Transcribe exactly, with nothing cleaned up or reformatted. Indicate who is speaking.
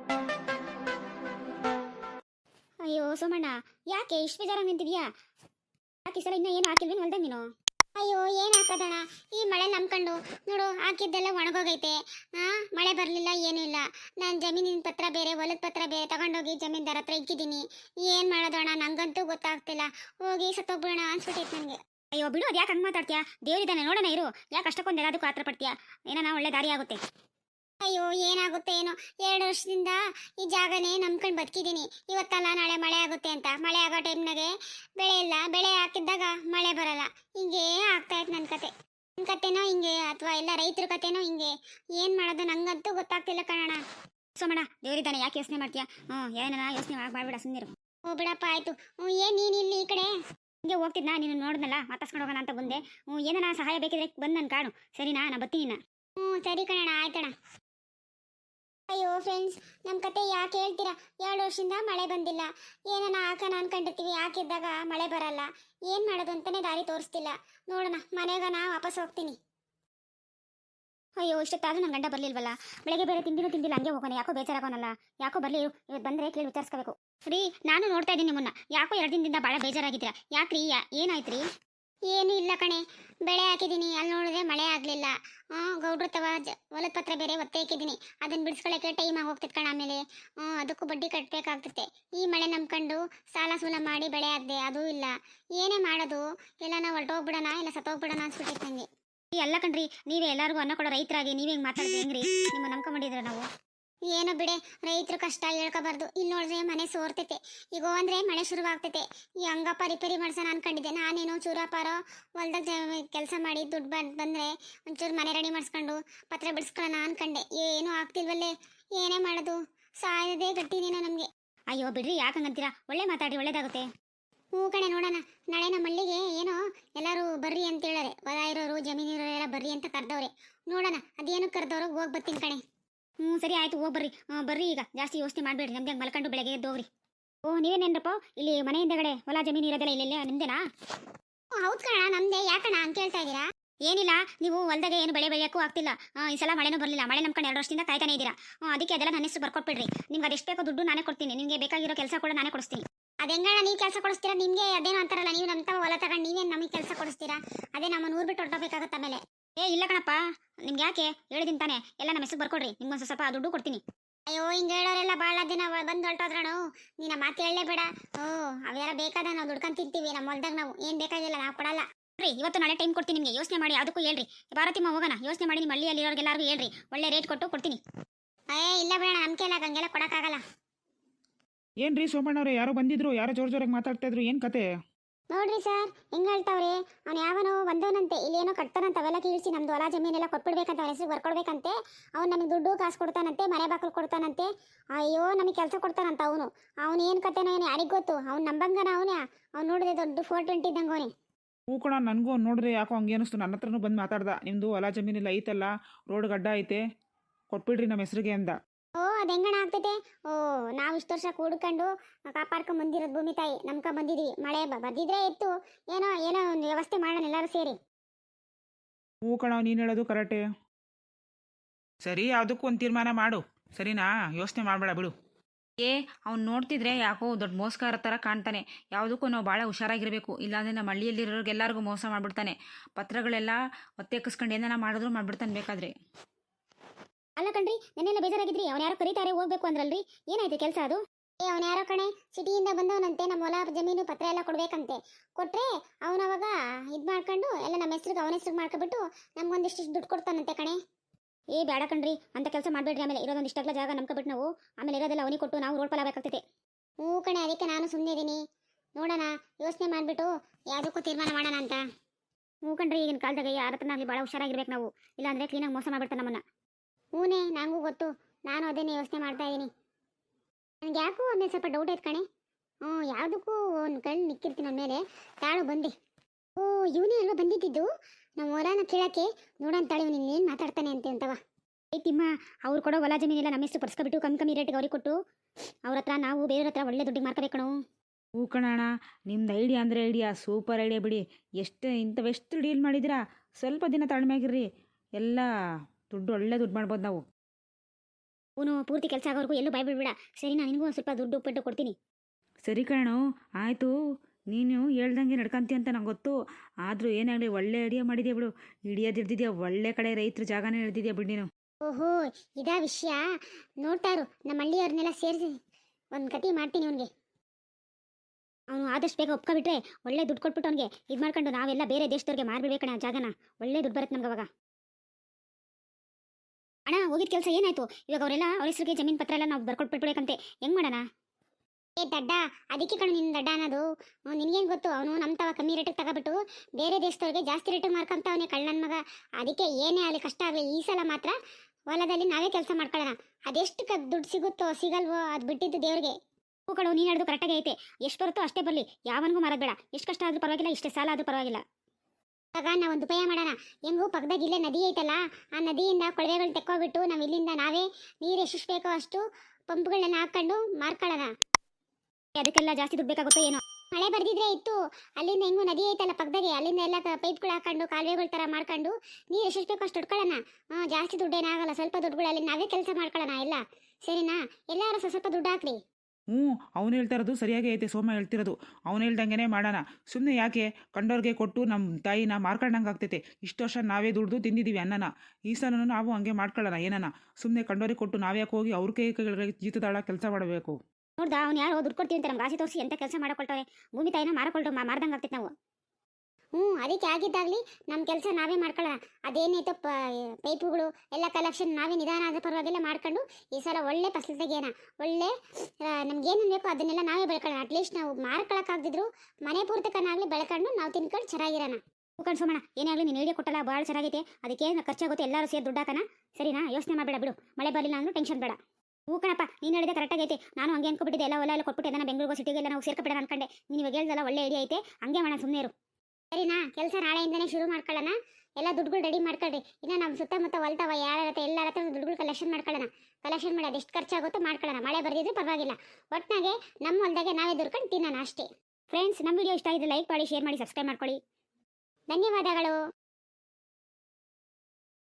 Speaker 1: ಅಯ್ಯೋ ಸೋಮಣ್ಣ, ಯಾಕೆ ಇಷ್ಟು ಬೇಜಾರಾಗಿ ನಿಂತಿದ್ಯಾ? ಯಾಕೆ ಈ ಸಲ ಇನ್ನೂ ಏನು ಹಾಕಿಲ್ವೇನು ಹೊಲ್ದಾಗ ನೀನು? ಅಯ್ಯೋ ಏನು ಹಾಕೋದಣ್ಣ, ಈ ಮಳೆ ನಂಬ್ಕೊಂಡು ನೋಡು ಹಾಕಿದ್ದೆಲ್ಲ ಒಣಗೋಗೈತೆ. ಆ ಮಳೆ ಬರಲಿಲ್ಲ, ಏನೂ ಇಲ್ಲ. ನಾನು ಜಮೀನಿನ ಪತ್ರ ಬೇರೆ ಹೊಲದ ಪತ್ರ ಬೇರೆ ತಗೊಂಡೋಗಿ ಜಮೀನ್ದಾರ ಹತ್ರ ಇಕ್ಕಿದ್ದೀನಿ. ಏನು ಮಾಡೋದಣ್ಣ, ನಂಗಂತೂ ಗೊತ್ತಾಗ್ತಿಲ್ಲ. ಹೋಗಿ ಸತ್ತೋಗ್ಬಿಡೋಣ ಅನ್ಸ್ಬಿಟ್ಟೈತೆ ನನಗೆ. ಅಯ್ಯೋ ಬಿಡು, ಅದು ಯಾಕೆ ಹಂಗೆ ಮಾತಾಡ್ತೀಯಾ? ದೇವರಿದ್ದಾನೆ ನೋಡೋಣ ಇರು. ಯಾಕೆ ಅಷ್ಟಕ್ಕೊಂದು ಎಲ್ಲದಕ್ಕೂ ಆತರ ಪಡ್ತೀಯಾ? ಏನೋ ಒಳ್ಳೆ ದಾರಿ ಆಗುತ್ತೆ. ಅಯ್ಯೋ ಏನಾಗುತ್ತೆ ಏನೋ, ಎರಡು ವರ್ಷದಿಂದ ಈ ಜಾಗನೇ ನಂಬ್ಕೊಂಡು ಬದುಕಿದ್ದೀನಿ. ಇವತ್ತಲ್ಲ ನಾಳೆ ಮಳೆ ಆಗುತ್ತೆ ಅಂತ. ಮಳೆ ಆಗೋ ಟೈಮ್ನಾಗೆ ಬೆಳೆ ಇಲ್ಲ, ಬೆಳೆ ಹಾಕಿದ್ದಾಗ ಮಳೆ ಬರಲ್ಲ. ಹಿಂಗೆ ಆಗ್ತಾ ಇತ್ತು ನನ್ನ ಕತೆ. ನನ್ನ ಕತೆನೋ ಹಿಂಗೆ ಅಥವಾ ಎಲ್ಲ ರೈತರ ಕತೆನೋ ಹಿಂಗೆ. ಏನು ಮಾಡೋದು ನಂಗಂತೂ ಗೊತ್ತಾಗ್ತಿಲ್ಲ ಕಣಣ್ಣ. ಸೋಮಣ್ಣ, ದೇವರಿದ್ದಾನೆ, ಯಾಕೆ ಯೋಚನೆ ಮಾಡ್ತೀಯಾ? ಹ್ಞೂ ಏನಾರ ಯೋಚನೆ ಮಾಡ್ಬೇಡ, ಸುಮ್ಮನಿರು. ಓ ಬಿಡಪ್ಪ ಆಯಿತು. ಹ್ಞೂ ಏನು ನೀನು ಇಲ್ಲಿ ಈ ಕಡೆ ಹಿಂಗೆ ಹೋಗ್ತಿದ್ನಾ? ನೀನು ನೋಡಿದ್ನಲ್ಲ, ಮಾತಾಡ್ಸ್ಕೊಂಡು ಹೋಗೋಣ ಅಂತ ಬಂದೆ. ಹ್ಞೂ ಏನಾರ ಸಹಾಯ ಬೇಕಿದ್ರೆ ಬಂದು ನನ್ನ ಕಾಣು, ಸರಿನಾ? ನಾ ಬರ್ತೀನಿ. ಹ್ಞೂ ಸರಿ ಕಣಣ್ಣ, ಆಯ್ತಣ್ಣ. ಅಯ್ಯೋ ಫ್ರೆಂಡ್ಸ್, ನಮ್ಮ ಕತೆ ಯಾಕೆ ಹೇಳ್ತೀರಾ? ಎರಡು ವರ್ಷದಿಂದ ಮಳೆ ಬಂದಿಲ್ಲ. ಏನನ್ನ ಹಾಕೋಣ ಅನ್ಕೊಂಡಿರ್ತೀವಿ, ಹಾಕಿದ್ದಾಗ ಮಳೆ ಬರಲ್ಲ. ಏನು ಮಾಡೋದು ಅಂತಾನೆ ದಾರಿ ತೋರಿಸ್ತಿಲ್ಲ. ನೋಡೋಣ, ಮನೆಗ ನಾ ವಾಪಸ್ ಹೋಗ್ತೀನಿ. ಅಯ್ಯೋ ಇಷ್ಟೊತ್ತಾದ್ರೂ ನನ್ನ ಗಂಡ ಬರಲಿಲ್ವಲ್ಲ. ಬೆಳಗ್ಗೆ ಬೇರೆ ತಿಂದಿನೂ ತಿಂದಿಲ್ಲ, ಹಂಗೆ ಹೋಗೋಣ. ಯಾಕೋ ಬೇಜಾರಾಗೋನಲ್ಲ. ಯಾಕೋ ಬರಲಿ, ಇವತ್ತು ಬಂದರೆ ಕೇಳಿ ವಿಚಾರಿಸ್ಕೋಬೇಕು. ರೀ, ನಾನು ನೋಡ್ತಾ ಇದ್ದೀನಿ ನಿಮ್ಮನ್ನ. ಯಾಕೋ ಎರಡು ದಿನದಿಂದ ಭಾಳ ಬೇಜಾರಾಗಿದ್ದೀರಾ? ಯಾಕ್ರಿ, ಏನಾಯ್ತು ರೀ? ಏನೂ ಇಲ್ಲ ಕಣೆ, ಬೆಳೆ ಹಾಕಿದ್ದೀನಿ. ಅಲ್ಲಿ ನೋಡಿದ್ರೆ ಮಳೆ ಆಗಲಿಲ್ಲ. ಹಾಂ, ಗೌಡ್ರ ತವ ಹೊಲದ ಪತ್ರ ಬೇರೆ ಒತ್ತೆ ಹಾಕಿದ್ದೀನಿ. ಅದನ್ನು ಬಿಡಿಸ್ಕೊಳ್ಳೋಕ್ಕೆ ಟೈಮ್ ಆಗಿ ಹೋಗ್ತಿತ್ತು ಕಣ. ಆಮೇಲೆ ಹ್ಞೂ ಅದಕ್ಕೂ ಬಡ್ಡಿ ಕಟ್ಟಬೇಕಾಗ್ತೈತೆ. ಈ ಮಳೆ ನಂಬ್ಕೊಂಡು ಸಾಲ ಸೂಲ ಮಾಡಿ ಬೆಳೆ ಆಗದೆ, ಅದೂ ಇಲ್ಲ. ಏನೇ ಮಾಡೋದು? ಎಲ್ಲ ನಾವು ಹೊರಟೋಗ್ಬಿಡೋಣ, ಇಲ್ಲ ಸತ್ತೋಗ್ಬಿಡೋಣ ಅನ್ಸ್ಬಿಟ್ಟೈತೆ ನನಗೆ. ಎಲ್ಲ ಕಣ್ರಿ, ನೀವೇ ಎಲ್ಲರಿಗೂ ಅನ್ನ ಕೊಡೋ ರೈತರಾಗಿ ನೀವೇ ಹಿಂಗೆ ಮಾತಾಡಿದ್ರೆ ಹೆಂಗ್ರಿ? ನಿಮ್ಮ ನಂಬ್ಕೊಂಡಿದ್ರೆ ನಾವು ಏನೋ ಬಿಡೆ, ರೈತರ ಕಷ್ಟ ಹೇಳ್ಕೋಬಾರ್ದು. ಇಲ್ಲಿ ನೋಡಿದ್ರೆ ಮನೆ ಸೋರ್ತೈತೆ. ಈಗ ಅಂದರೆ ಮಳೆ ಶುರುವಾಗ್ತೈತೆ. ಈ ಹಂಗಪ್ಪ ರಿಪೇರಿ ಮಾಡ್ಸೋಣ ಅನ್ಕೊಂಡಿದ್ದೆ. ನಾನೇನೋ ಚೂರಾಪಾರೋ ಹೊಲ್ದಾಗ ಕೆಲಸ ಮಾಡಿ ದುಡ್ಡು ಬಂದು ಬಂದರೆ ಒಂಚೂರು ಮನೆ ರೆಡಿ ಮಾಡಿಸ್ಕೊಂಡು ಪತ್ರ ಬಿಡಿಸ್ಕೊಳ್ಳೋಣ ಅನ್ಕೊಂಡೆ. ಏನೂ ಆಗ್ತಿಲ್ವಲ್ಲೇ, ಏನೇ ಮಾಡೋದು? ಸಾಯದೇ ಗಟ್ಟಿನೇನೋ ನಮಗೆ. ಅಯ್ಯೋ ಬಿಡ್ರಿ, ಯಾಕಂಗಂತೀರಾ? ಒಳ್ಳೆ ಮಾತಾಡಿ, ಒಳ್ಳೇದಾಗುತ್ತೆ. ಹ್ಞೂ ಕಣೆ, ನೋಡೋಣ. ನಾಳೆ ನಮ್ಮ ಹಳ್ಳಿಗೆ ಏನೋ ಎಲ್ಲರೂ ಬರ್ರಿ ಅಂತ ಹೇಳಾರೆ. ಹೊಲ ಇರೋರು ಜಮೀನಿರೋರೆಲ್ಲ ಬರ್ರಿ ಅಂತ ಕರೆದವ್ರೆ. ನೋಡೋಣ ಅದೇನು ಕರೆದವ್ರು, ಹೋಗಿ ಬರ್ತೀನಿ ಕಣೆ. ಹ್ಞೂ ಸರಿ ಆಯಿತು, ಹೋಗಿ ಬರ್ರಿ. ಹಾಂ ಬರ್ರಿ, ಈಗ ಜಾಸ್ತಿ ಯೋಚನೆ ಮಾಡಬೇಡ್ರಿ. ನಮ್ಗೆ ಹಂಗೆ ಮಲ್ಕೊಂಡು ಬೆಳಗ್ಗೆ ಎದ್ದೋಗ್ರಿ. ಓ ನೀವೇನೇನ್ರಪ್ಪ, ಇಲ್ಲಿ ಮನೆ ಹಿಂದಗಡೆ ಹೊಲ ಜಮೀನು ಇರೋದಲ್ಲ, ಇಲ್ಲೆಲ್ಲ ನಿಮ್ದೇನಾ? ಹೌದು ಕಣ, ನಮ್ದೇ. ಯಾಕಣ್ಣ ಹಂಗೆ ಕೇಳ್ತಾ ಇದ್ದೀರಾ? ಏನಿಲ್ಲ, ನೀವು ಹೊಲದಾಗ ಏನು ಬೆಳೆ ಬೆಳೆಯೋಕ್ಕೂ ಆಗ್ತಿಲ್ಲ. ಈ ಸಲ ಮಳೆನೂ ಬರಲಿಲ್ಲ. ಮಳೆ ನಂಬ್ಕೊಂಡು ಎರಡು ವರ್ಷದಿಂದ ಕಾಯ್ತಾನೆ ಇದ್ದೀರಾ. ಹ್ಞೂ ಅದಕ್ಕೆ ಅದೆಲ್ಲ ನನ್ನ ಹೆಸರು ಬರ್ಕೊಟ್ಬಿಡ್ರಿ. ನಿಮ್ಗೆ ಅದೆಷ್ಟು ಬೇಕೋ ದುಡ್ಡು ನಾನೇ ಕೊಡ್ತೀನಿ. ನಿಮಗೆ ಬೇಕಾಗಿರೋ ಕೆಲಸ ಕೂಡ ನಾನೇ ಕೊಡಿಸ್ತೀನಿ. ಅದೆಂಗಣ್ಣ ನೀವು ಕೆಲಸ ಕೊಡಿಸ್ತೀರಾ? ನಿಮಗೆ ಅದೇನೋ ಅಂತಾರಲ್ಲ, ನೀವು ನಮ್ಮ ತವ ಹೊಲ ತಗೊಂಡು ನೀವೇನು ನಮಗೆ ಕೆಲಸ ಕೊಡಿಸ್ತೀರಾ? ಅದೇ ನಮ್ಮನ್ನು ಊರು ಬಿಟ್ಟು ಹೊರಟೋಗ್ಬೇಕಾಗತ್ತೆ ಆಮೇಲೆ. ಏ ಇಲ್ಲ ಕಣಪ್ಪ, ನಿಮ್ಗೆ ಯಾಕೆ ಹೇಳಿದ್ದೀನಿ ತಾನೆ, ಎಲ್ಲ ನಮ್ಮ ಹೆಸರು ಬರ್ಕೊಡ್ರಿ. ನಿಮ್ಗೊಂದು ಸ್ವಲ್ಪ ದುಡ್ಡು ಕೊಡ್ತೀನಿ. ಅಯ್ಯೋ ಹಿಂಗೆ ಹೇಳೋರೆಲ್ಲ ಭಾಳ ದಿನ ಬಂದು ಹೊರಟೋದ್ರಣ. ನೀನು ಮಾತು ಹೇಳಲೇಬೇಡ. ಓ ಅವೆಲ್ಲ ಬೇಕಾದ ನಾವು ದುಡ್ಕೊಂಡು ತಿಂತೀವಿ. ನಮ್ಮ ಹೊಲ್ದಾಗ ನಾವು ಏನು ಬೇಕಾಗಿಲ್ಲ, ನಾವು ಕೊಡಲ್ಲ ರೀ. ಇವತ್ತು ನಾಳೆ ಟೈಮ್ ಕೊಡ್ತೀನಿ ನಿಮಗೆ, ಯೋಚನೆ ಮಾಡಿ ಅದಕ್ಕೂ ಹೇಳ್ರಿ. ಭಾರತಿಮ್ಮ ಹೋಗೋಣ, ಯೋಚನೆ ಮಾಡಿ ನಿಮ್ಮ ಹಳ್ಳಿಯಲ್ಲಿರೋರಿಗೆಲ್ಲರಿಗೂ ಹೇಳ್ರಿ. ಒಳ್ಳೆ ರೇಟ್ ಕೊಟ್ಟು ಕೊಡ್ತೀನಿ. ಏ ಇಲ್ಲ ಬೇಡ, ನಮ್ಗೆ ಇಲ್ಲ, ಹಂಗೆಲ್ಲ ಕೊಡೋಕ್ಕಾಗಲ್ಲ.
Speaker 2: ಏನ್ರಿ ಸೋಮಣ್ಣವ್ರೆ, ಯಾರೋ ಬಂದಿದ್ರು, ಯಾರೋ ಜೋರ್ ಜೋರಾಗಿ ಮಾತಾಡ್ತಾ ಇದ್ರು, ಏನು ಕತೆ?
Speaker 1: ನೋಡ್ರಿ ಸರ್, ಹೆಂಗ್ ಹೇಳ್ತಾವ್ರೆ. ಅವ್ನು ಯಾವನೋ ಬಂದವನಂತೆ, ಇಲ್ಲೇನೋ ಕಟ್ತಾನಂತ. ಅವೆಲ್ಲ ಕೀಳ್ಸಿ ನಮ್ದು ಹೊಲ ಜಮೀನೆಲ್ಲ ಕೊಟ್ಬಿಡ್ಬೇಕಂತ, ಅವ್ನ ಹೆಸರು ಬರ್ಕೊಡ್ಬೇಕಂತೆ. ಅವ್ನು ನಮಗೆ ದುಡ್ಡು ಕಾಸು ಕೊಡ್ತಾನಂತೆ, ಮನೆ ಬಾಕಲು ಕೊಡ್ತಾನಂತೆ. ಅಯ್ಯೋ ನಮಗೆ ಕೆಲಸ ಕೊಡ್ತಾನಂತ ಅವನು. ಅವ್ನು ಏನು ಕತೆನೋ ಏನು ಯಾರಿಗೆ ಗೊತ್ತು? ಅವ್ನು ನಂಬಂಗನ ಅವನೇ. ಅವ್ನು ನೋಡಿದ್ರೆ ದೊಡ್ಡ ಫೋರ್ ಟ್ವೆಂಟಿ ಇದ್ದಂಗೆ ಅವನೇ.
Speaker 2: ಹೂ ಕಣ, ನನಗೂ ನೋಡ್ರಿ ಯಾಕೋ ಹಂಗೆ ಅನಿಸ್ತು. ನನ್ನ ಹತ್ರನೂ ಬಂದು ಮಾತಾಡ್ದ, ನಿಮ್ಮದು ಹೊಲ ಜಮೀನೆಲ್ಲ ಐತಲ್ಲ, ರೋಡ್ ಗಡ್ಡ ಐತೆ, ಕೊಟ್ಬಿಡ್ರಿ ನಮ್ಮ ಹೆಸರಿಗೆ ಅಂದ.
Speaker 1: ಓ ಅದು ಹೆಂಗಣ ಆಗ್ತೈತೆ? ಓ ನಾವು ಇಷ್ಟು ವರ್ಷ ಕೂಡ್ಕೊಂಡು ಕಾಪಾಡ್ಕೊಂಡು ಬಂದಿರೋದು ಭೂಮಿ ತಾಯಿ, ನಮ್ಕ ಬಂದಿದ್ದೀವಿ. ಮಳೆ ಬಂದಿದ್ರೆ ಇತ್ತು, ಏನೋ ಏನೋ ಒಂದು ವ್ಯವಸ್ಥೆ ಮಾಡೋಣ ಎಲ್ಲರೂ ಸೇರಿ.
Speaker 2: ಹೂ ಕಣ, ನೀನು ಹೇಳೋದು ಕರೆಕ್ಟೇ. ಸರಿ, ಯಾವುದಕ್ಕೂ ಒಂದು ತೀರ್ಮಾನ ಮಾಡು, ಸರಿನಾ? ಯೋಚನೆ ಮಾಡಬೇಡ ಬಿಡು.
Speaker 3: ಏ ಅವ್ನು ನೋಡ್ತಿದ್ರೆ ಯಾಕೋ ದೊಡ್ಡ ಮೋಸಗಾರ ಥರ ಕಾಣ್ತಾನೆ. ಯಾವುದಕ್ಕೂ ನಾವು ಭಾಳ ಹುಷಾರಾಗಿರಬೇಕು, ಇಲ್ಲಾಂದರೆ ನಮ್ಮ ಹಳ್ಳಿಯಲ್ಲಿರೋರಿಗೆಲ್ಲರಿಗೂ ಮೋಸ ಮಾಡಿಬಿಡ್ತಾನೆ. ಪತ್ರಗಳೆಲ್ಲ ಒತ್ತೆಕ್ಕಿಸ್ಕೊಂಡು ಏನಾರ ಮಾಡಿದ್ರು ಮಾಡಿಬಿಡ್ತಾನೆ ಬೇಕಾದ್ರೆ.
Speaker 1: ಅಲ್ಲ ಕಣ್ರಿ, ನೆನ್ನೆಲ್ಲ ಬೇಜಾರಾಗಿದ್ರಿ. ಅವ್ನು ಯಾರೋ ಕರೀತಾರೆ ಹೋಗ್ಬೇಕು ಅಂದ್ರಲ್ರಿ, ಏನಾಯ್ತು ಕೆಲಸ ಅದು? ಏ ಅವ್ನು ಯಾರೋ ಕಣೆ, ಸಿಟಿಯಿಂದ ಬಂದವನಂತೆ. ನಮ್ಮ ಹೊಲ ಜಮೀನು ಪತ್ರ ಎಲ್ಲ ಕೊಡ್ಬೇಕಂತೆ. ಕೊಟ್ರೆ ಅವನು ಅವಾಗ ಇದು ಮಾಡ್ಕೊಂಡು ಎಲ್ಲ ನಮ್ಮ ಹೆಸ್ರಿಗೆ ಅವನ ಹೆಸ್ರಿಗೆ ಮಾಡ್ಕೊಬಿಟ್ಟು ನಮ್ಗೊಂದಿಷ್ಟು ದುಡ್ಡು ಕೊಡ್ತಾನಂತೆ ಕಣೆ. ಏ ಬೇಡ ಕಣ್ರಿ, ಅಂತ ಕೆಲಸ ಮಾಡಬೇಡ್ರಿ. ಆಮೇಲೆ ಇರೋದೊಂದು ಇಷ್ಟಾಗಲ ಜಾಗ ನಂಬ್ಕೊಬಿಟ್ಟು ನಾವು ಆಮೇಲೆ ಇರೋದೆಲ್ಲ ಅವನಿಗೆ ಕೊಟ್ಟು ನಾವು ರೋಡ್ ಪಾಲಾಗಬೇಕಾಗ್ತೈತೆ. ಹ್ಞೂ ಕಣೆ, ಅದಕ್ಕೆ ನಾನು ಸುಮ್ಮನೆ ಇದ್ದೀನಿ. ನೋಡೋಣ, ಯೋಚನೆ ಮಾಡಿಬಿಟ್ಟು ಯಾವುದಕ್ಕೂ ತೀರ್ಮಾನ ಮಾಡೋಣ ಅಂತ. ಹ್ಞೂ ಕಣ್ರಿ, ಈಗಿನ ಕಾಲದಾಗ ಯಾರ ಹತ್ರನಾಗಲಿ ಭಾಳ ಹುಷಾರಾಗಿರ್ಬೇಕು ನಾವು, ಇಲ್ಲಾಂದರೆ ಕ್ಲೀನಾಗಿ ಮೋಸ ಮಾಡ್ಬಿಡ್ತಾನೆ ನಮ್ಮನ್ನ. ಹೂನೇ, ನನಗೂ ಗೊತ್ತು. ನಾನು ಅದನ್ನೇ ಯೋಚನೆ ಮಾಡ್ತಾ ಇದ್ದೀನಿ. ನನಗೆ ಯಾಕೋ ಒಂದೇ ಸ್ವಲ್ಪ ಡೌಟ್ ಐತೆ ಕಣೆ. ಹ್ಞೂ ಯಾವುದಕ್ಕೂ ಒಂದು ಕಣ್ಣು ನಿಕ್ಕಿರ್ತೀನಿ ನನ್ನ ಮೇಲೆ. ತಾಳು ಬಂದೆ. ಓ ಇವನೇ ಅಲ್ವಾ ಬಂದಿದ್ದು ನಮ್ಮ ಹೊಲನ ಕೇಳಕ್ಕೆ. ನೋಡಂತಾಳೆ ಇವನು ಇನ್ನೇನು ಮಾತಾಡ್ತಾನೆ ಅಂತೆ ಅಂತವ. ಏ ತಿಮ್ಮ, ಅವ್ರು ಕೊಡೋ ಹೊಲ ಜಮೀನೆಲ್ಲ ನಮ್ಮ ಹೆಸರು ಪರ್ಸ್ಕೊಬಿಟ್ಟು ಕಮ್ಮಿ ಕಮ್ಮಿ ರೇಟಿಗೆ ಅವ್ರಿಗೆ ಕೊಟ್ಟು ಅವ್ರ ಹತ್ರ ನಾವು ಬೇರೆಯವ್ರ ಹತ್ರ ಒಳ್ಳೆ ದುಡ್ಡಿಗೆ ಮಾರ್ಕೋಬೇಕು ಕಣೋ.
Speaker 3: ಹೂ ಕಣಣ್ಣ, ನಿಮ್ದು ಐಡಿಯಾ ಅಂದರೆ ಐಡಿಯಾ ಸೂಪರ್ ಐಡಿಯಾ ಬಿಡಿ. ಎಷ್ಟು ಇಂಥವೆಷ್ಟು ಡೀಲ್ ಮಾಡಿದಿರಾ? ಸ್ವಲ್ಪ ದಿನ ತಾಳ್ಮೆಯಾಗಿರ್ರಿ, ಎಲ್ಲ ದುಡ್ಡು ಒಳ್ಳೆ ದುಡ್ಡು ಮಾಡ್ಬೋದು ನಾವು.
Speaker 1: ಅವನು ಪೂರ್ತಿ ಕೆಲಸ ಆಗೋವರೆಗೂ ಎಲ್ಲೂ ಬಾಯ್ ಬಿಡ್ಬೇಡ ಸರಿನಾ? ನಿನಗೂ ಒಂದು ಸ್ವಲ್ಪ ದುಡ್ಡು ಉಪ್ಪಿಟ್ಟು ಕೊಡ್ತೀನಿ.
Speaker 3: ಸರಿ ಕಣೋ, ಆಯಿತು. ನೀನು ಹೇಳ್ದಂಗೆ ನಡ್ಕಂತಿ ಅಂತ ನಂಗೆ ಗೊತ್ತು. ಆದರೂ ಏನಾಗಲಿ ಒಳ್ಳೆ ಐಡಿಯಾ ಮಾಡಿದ್ಯಾ ಬಿಡು. ಹಿಡಿಯೋದಿರ್ದಿದ್ಯಾ, ಒಳ್ಳೆ ಕಡೆ ರೈತರ ಜಾಗನೇ ಹಿಡ್ದಿದ್ಯಾ ಬಿಡು ನೀನು.
Speaker 1: ಓಹೋ, ಇದಾ ವಿಷಯ. ನೋಡ್ತಾರು ನಮ್ಮ ಹಳ್ಳಿಯವ್ರನ್ನೆಲ್ಲ ಸೇರಿಸಿ ಒಂದು ಕತಿ ಮಾಡ್ತೀನಿ ಅವನಿಗೆ. ಅವನು ಆದಷ್ಟು ಬೇಗ ಒಪ್ಕೊಬಿಟ್ರೆ ಒಳ್ಳೆ ದುಡ್ಡು ಕೊಟ್ಬಿಟ್ಟು ಅವನಿಗೆ ಇದು ಮಾಡ್ಕೊಂಡು ನಾವೆಲ್ಲ ಬೇರೆ ದೇಶದವ್ರಿಗೆ ಮಾರ್ಬಿಡ್ಬೇಕಣ್ಣ ಆ ಜಾಗನ. ಒಳ್ಳೆ ದುಡ್ಡು ಬರುತ್ತೆ ನಮ್ಗೆ ಅವಾಗ. ಅಣ್ಣ ಹೋಗಿದ ಕೆಲಸ ಏನಾಯ್ತು? ಇವಾಗ ಅವರೆಲ್ಲ ಅವ್ರ ಹೆಸರಿಗೆ ಜಮೀನು ಪತ್ರ ಎಲ್ಲ ನಾವು ಬರ್ಕೊಟ್ಬಿಡ್ಬೇಕಂತೆ, ಹೆಂಗ್ ಮಾಡೋಣ? ಏ ದಡ್ಡ, ಅದಕ್ಕೆ ಕಣು ನಿನ್ನ ದಡ್ಡ ಅನ್ನೋದು. ನಿನಗೇನು ಗೊತ್ತು, ಅವನು ನಮ್ಮ ತವ ಕಮ್ಮಿ ರೇಟಿಗೆ ತಗೋಬಿಟ್ಟು ಬೇರೆ ದೇಶದವ್ರಿಗೆ ಜಾಸ್ತಿ ರೇಟಿಗೆ ಮಾರ್ಕೊಂತವನೇ ಕಳ್ಳನ ಮಗ. ಅದಕ್ಕೆ ಏನೇ ಆಗಲಿ ಕಷ್ಟ ಆಗಲಿ ಈ ಸಲ ಮಾತ್ರ ಹೊಲದಲ್ಲಿ ನಾವೇ ಕೆಲಸ ಮಾಡ್ಕೊಳ್ಳೋಣ. ಅದೆಷ್ಟು ಕ ದುಡ್ಡು ಸಿಗುತ್ತೋ ಸಿಗಲ್ವೋ ಅದು ಬಿಟ್ಟಿದ್ದು ದೇವ್ರಿಗೆ. ಹೂ ಕಣು, ನೀನು ಹೇಳಿದ್ರು ಕರೆಕ್ಟಾಗಿ ಐತೆ. ಎಷ್ಟು ಬರುತ್ತೋ ಅಷ್ಟೇ ಬರಲಿ, ಯಾವನಿಗೂ ಮಾರೋದು ಬೇಡ. ಎಷ್ಟು ಕಷ್ಟ ಆದ್ರೂ ಪರವಾಗಿಲ್ಲ, ಇಷ್ಟೇ ಸಾಲ ಆದ್ರೂ ಪರವಾಗಿಲ್ಲ. ಇವಾಗ ನಾವು ಒಂದು ಉಪಾಯ ಮಾಡೋಣ. ಹೆಂಗೂ ಪಕ್ಕದಾಗ ಇಲ್ಲೇ ನದಿ ಐತಲ್ಲ, ಆ ನದಿಯಿಂದ ಕೊಳವೆಗಳು ತೆಕ್ಕೋಬಿಟ್ಟು ನಾವು ಇಲ್ಲಿಂದ ನಾವೇ ನೀರು ಎಷ್ಟು ಬೇಕೋ ಅಷ್ಟು ಪಂಪ್ಗಳನ್ನ ಹಾಕೊಂಡು ಮಾರ್ಕೊಳ್ಳೋಣ. ಅದಕ್ಕೆಲ್ಲ ಜಾಸ್ತಿ ದುಡ್ಡು ಬೇಕಾಗುತ್ತೋ ಏನೋ. ಮಳೆ ಬರ್ದಿದ್ರೆ ಇತ್ತು, ಅಲ್ಲಿಂದ ಹೆಂಗೂ ನದಿ ಐತಲ್ಲ ಪಕ್ಕದಾಗೆ, ಅಲ್ಲಿಂದ ಎಲ್ಲ ಪೈಪ್ಗಳು ಹಾಕೊಂಡು ಕಾಲುವೆಗಳ ಥರ ಮಾಡ್ಕೊಂಡು ನೀರು ಎಷ್ಟು ಬೇಕೋ ಅಷ್ಟು ಇಟ್ಕೊಳ್ಳೋಣ. ಹಾಂ, ಜಾಸ್ತಿ ದುಡ್ಡೇನಾಗಲ್ಲ, ಸ್ವಲ್ಪ ದುಡ್ಡುಗಳಲ್ಲಿ ನಾವೇ ಕೆಲಸ ಮಾಡ್ಕೊಳ್ಳೋಣ ಎಲ್ಲ. ಸರಿನಾ? ಎಲ್ಲರೂ ಸ್ವಲ್ಪ ಸ್ವಲ್ಪ ದುಡ್ಡು ಹಾಕ್ರಿ.
Speaker 2: ಹ್ಞೂ, ಅವ್ನು ಹೇಳ್ತಾ ಇರೋದು ಸರಿಯಾಗಿ ಐತೆ. ಸೋಮ ಹೇಳ್ತಿರೋದು ಅವ್ನು ಹೇಳ್ದಂಗೆ ಮಾಡೋಣ. ಸುಮ್ಮನೆ ಯಾಕೆ ಕಂಡೋರಿಗೆ ಕೊಟ್ಟು ನಮ್ಮ ತಾಯಿನ ಮಾರ್ಕೊಂಡಂಗೆ ಆಗ್ತೈತೆ. ಇಷ್ಟು ವರ್ಷ ನಾವೇ ದುಡ್ದು ತಿಂದಿದ್ದೀವಿ ಅನ್ನನ. ಈ ಸಲ ನಾವು ಹಂಗೆ ಮಾಡ್ಕೊಳ್ಳೋಣ ಏನನ. ಸುಮ್ಮನೆ ಕಂಡೋರಿಗೆ ಕೊಟ್ಟು ನಾವ್ಯಾಕೆ ಹೋಗಿ ಅವ್ರ ಕೈ ಕೈಗಳಿಗೆ ಜೀತದಾಳ ಕೆಲಸ ಮಾಡಬೇಕು?
Speaker 1: ನೋಡ್ದಾ, ಅವ್ನು ಯಾರೋ ದುಡ್ಡು ಕೊಡ್ತೀವಿ ಅಂತ ನಮ್ಗೆ ಆಸೆ ತೋರಿಸಿ ಎಂತ ಕೆಲಸ ಮಾಡಕೊಳ್ತಾರೆ. ಭೂಮಿ ತಾಯಿನ ಮಾರಕೊಳ್ರು ಮಾರ್ದಂಗೆ ಆಗ್ತೈತೆ ನಾವು. ಹ್ಞೂ, ಅದಕ್ಕೆ ಆಗಿದ್ದಾಗಲಿ ನಮ್ಮ ಕೆಲಸ ನಾವೇ ಮಾಡ್ಕೊಳ್ಳೋಣ. ಅದೇನೈತೋ ಪೈಪುಗಳು ಎಲ್ಲ ಕಲೆಕ್ಷನ್ ನಾವೇ ನಿಧಾನ ಆದ ಪರವಾಗಿಲ್ಲ ಮಾಡ್ಕೊಂಡು ಈ ಸಲ ಒಳ್ಳೆ ಫಸಲು ತೆಗಿಯೋಣ. ಒಳ್ಳೆ ನಮ್ಗೇನು ಬೇಕೋ ಅದನ್ನೆಲ್ಲ ನಾವೇ ಬೆಳ್ಕೊಳ್ಳೋಣ. ಅಟ್ಲೀಸ್ಟ್ ನಾವು ಮಾರ್ಕೊಳಕ್ಕಾಗದಿದ್ರು ಮನೆ ಪೂರ್ತಕನಾಗಲಿ ಬೆಳ್ಕೊಂಡು ನಾವು ತಿನ್ಕೊಂಡು ಚೆನ್ನಾಗಿರೋಣ. ಹೂಕಂಡು ಸೋಮಣ್ಣ, ಏನೇ ಆಗಲಿ ನೀನು ಐಡಿಯಾ ಕೊಟ್ಟಲ್ಲ ಭಾಳ ಚೆನ್ನಾಗೈತೆ. ಅದಕ್ಕೆ ಖರ್ಚಾಗುತ್ತೆ, ಎಲ್ಲರೂ ಸೇರಿ ದುಡ್ಡು ಹಾಕೋಣ. ಸರಿನಾ? ಯೋಚನೆ ಮಾಡಬೇಡ ಬಿಡು. ಮಳೆ ಬರಲಿಲ್ಲ ಅಂದ್ರೂ ಟೆನ್ಷನ್ ಬೇಡ. ಹೂ ಕಣಪ್ಪ, ನೀನು ಹೇಳಿದೆ ಕರೆಕ್ಟಾಗಿ ಐತೆ. ನಾನು ಹಂಗೆ ಅನ್ಕೊಬಿಟ್ಟಿದ್ದೆ, ಎಲ್ಲ ಹೊಲ ಎಲ್ಲ ಕೊಟ್ಬಿಟ್ಟೆ ನಾನು ಬೆಂಗಳೂರು ಸಿಟಿಗೆಲ್ಲ ನಾವು ಸೇರ್ಕೊಬೇಡ ಅನ್ಕೊಂಡೆ. ನೀನು ಇವಾಗ ಹೇಳ್ದಲ್ಲ ಒಳ್ಳೆ ಐಡಿಯಾ ಐತೆ, ಹಂಗೆ ಮಾಡೋಣ. ಸುಮ್ಮನೆ ಇರು. ಸರಿನಾ? ಕೆಲಸ ನಾಳೆಯಿಂದನೇ ಶುರು ಮಾಡ್ಕೊಳ್ಳೋಣ. ಎಲ್ಲ ದುಡ್ಡುಗಳು ರೆಡಿ ಮಾಡ್ಕೊಳ್ರಿ. ಇನ್ನು ನಮ್ಮ ಸುತ್ತಮುತ್ತ ಹೊಲ್ತವ ಯಾರ ಹತ್ರ ಎಲ್ಲರ ಹತ್ರ ದುಡ್ಡುಗಳು ಕಲೆಕ್ಷನ್ ಮಾಡ್ಕೊಳ್ಳೋಣ. ಕಲೆಕ್ಷನ್ ಮಾಡೋದು ಎಷ್ಟು ಖರ್ಚಾಗುತ್ತೋ ಮಾಡ್ಕೊಳ್ಳೋಣ. ಮಳೆ ಬರ್ದಿದ್ರೆ ಪರವಾಗಿಲ್ಲ. ಒಟ್ಟಿನಾಗೆ ನಮ್ಮ ಹೊಲದಾಗೆ ನಾವೇ ದುಡ್ಕೊಂಡು ತಿನ್ನೋಣ ಅಷ್ಟೇ. ಫ್ರೆಂಡ್ಸ್, ನಮ್ಮ ವಿಡಿಯೋ ಇಷ್ಟ ಆಗಿದ್ರೆ ಲೈಕ್ ಮಾಡಿ, ಶೇರ್ ಮಾಡಿ, ಸಬ್ಸ್ಕ್ರೈಬ್ ಮಾಡ್ಕೊಳ್ಳಿ. ಧನ್ಯವಾದಗಳು.